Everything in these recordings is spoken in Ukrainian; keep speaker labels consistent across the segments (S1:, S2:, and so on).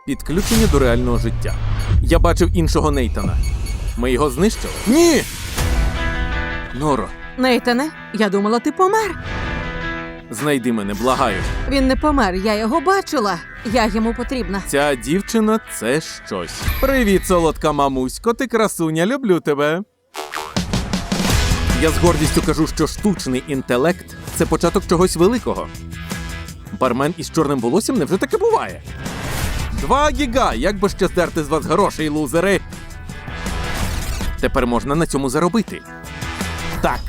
S1: Підключення до реального життя. Я бачив іншого Нейтана. Ми його знищили? Ні! Норо,
S2: Нейтане, я думала, ти помер.
S1: знайди мене, благаю.
S2: Він не помер, я його бачила. Я йому потрібна.
S1: Ця дівчина – це щось. Привіт, солодка мамусько, ти красуня, люблю тебе. Я з гордістю кажу, що штучний інтелект – це початок чогось великого. Бармен із чорним волоссям невже таке буває? 2 гіга, як би ще здерти з вас грошей, лузери. Тепер можна на цьому заробити. Так.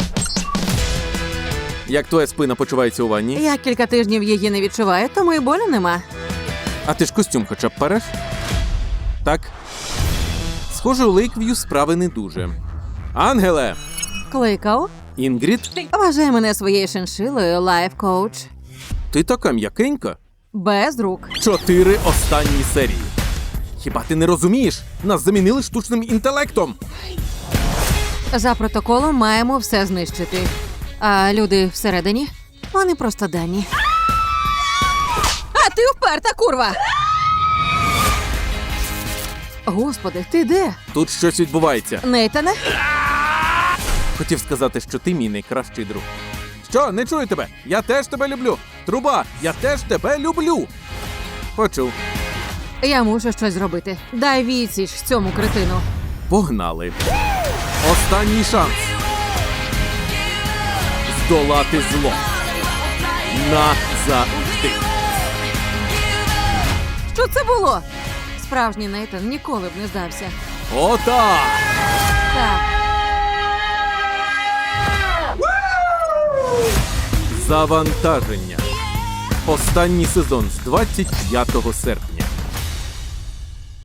S1: Як твоя спина почувається у ванні?
S2: Я кілька тижнів її не відчуваю, тому і болю нема.
S1: А ти ж костюм хоча б переш? Так. Схоже, у Лейкв'ю справи не дуже. Ангеле!
S2: Кликав.
S1: Інгрід?
S2: Вважай мене своєю шиншилою, лайф-коуч.
S1: Ти така м'якенька.
S2: Без рук.
S1: 4 останні серії. Хіба ти не розумієш? Нас замінили штучним інтелектом.
S2: За протоколом маємо все знищити. А люди всередині? Вони просто дані. А ти вперта, курва! Господи, ти де?
S1: Тут щось відбувається.
S2: Нейтане?
S1: Хотів сказати, що ти мій найкращий друг. Що, не чую тебе? Я теж тебе люблю. Труба, я теж тебе люблю. Почув.
S2: Я мушу щось зробити. Дай відсіч цьому кретину.
S1: Погнали. Останній шанс. Здолати зло. Назавжди.
S2: Що це було? Справжній Нейтан ніколи б не здався.
S1: Отак!
S2: Так.
S1: Завантаження. Останній сезон з 25 серпня.